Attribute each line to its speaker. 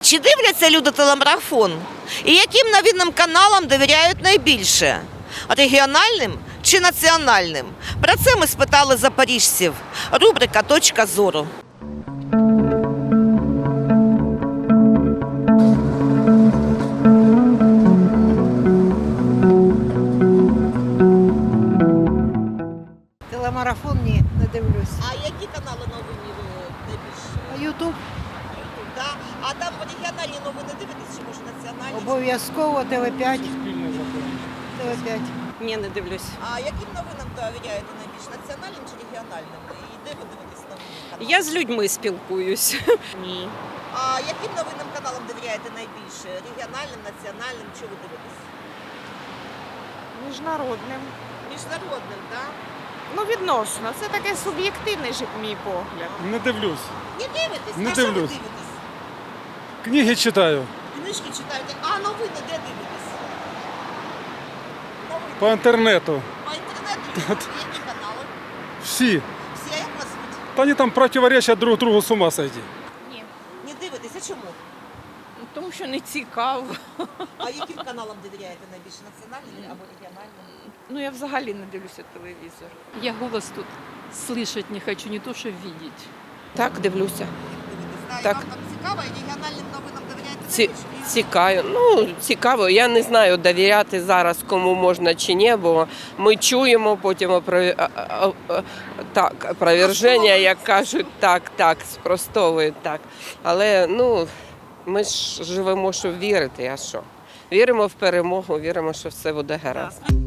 Speaker 1: Чи дивляться люди телемарафон? І яким новинним каналам довіряють найбільше? Регіональним чи національним? Про це ми спитали запоріжців. Рубрика «Точка зору».
Speaker 2: Телемарафон ні, не дивлюсь.
Speaker 1: А які канали новини найбільше?
Speaker 2: Ютуб
Speaker 1: Да? А там регіональні новини дивитесь, чи може національні?
Speaker 2: обов'язково, ТВ5. ТВ5.
Speaker 3: Ні, не дивлюсь.
Speaker 1: А яким новинам довіряєте найбільше? Національним чи регіональним? І де ви дивитесь новини?
Speaker 3: Я з людьми спілкуюсь. Ні.
Speaker 1: А яким новинним каналам довіряєте найбільше? Регіональним, національним? Чи ви дивитесь?
Speaker 4: Міжнародним.
Speaker 1: Міжнародним, так?
Speaker 4: Ну, відносно. Це таке суб'єктивний же мій погляд.
Speaker 5: Не дивлюсь.
Speaker 1: Не дивитесь?
Speaker 5: Не
Speaker 1: А що ви
Speaker 5: дивлюсь.
Speaker 1: дивитесь?
Speaker 5: Книги читаю
Speaker 1: Книжки читаєте, а новини де дивитесь? Новини
Speaker 5: по інтернету.
Speaker 1: по інтернету? Які канали?
Speaker 5: Всі.
Speaker 1: Всі, а як вас звуть?
Speaker 5: Та вони там противоречать друг другу, с ума сойти.
Speaker 4: Ні.
Speaker 1: Не дивитесь, а чому?
Speaker 4: Тому що не цікаво.
Speaker 1: А яким каналам довіряєте найбільше? Національним або регіональним?
Speaker 4: Ну, я взагалі не дивлюся телевізор.
Speaker 6: Я голос тут слышать не хочу, не то что видеть.
Speaker 3: Так, дивлюся.
Speaker 1: Дивитесь,
Speaker 3: Так.
Speaker 1: І вам там цікаво, і регіональним новинам довіряєте
Speaker 3: Ці-
Speaker 1: найбільше?
Speaker 3: Цікаво. Ну, цікаво. Я не знаю, довіряти зараз кому можна чи ні, бо ми чуємо потім опроверження, як кажуть, так, спростовують так. Але ну, ми ж живемо, щоб вірити, а що? Віримо в перемогу, віримо, що все буде гаразд.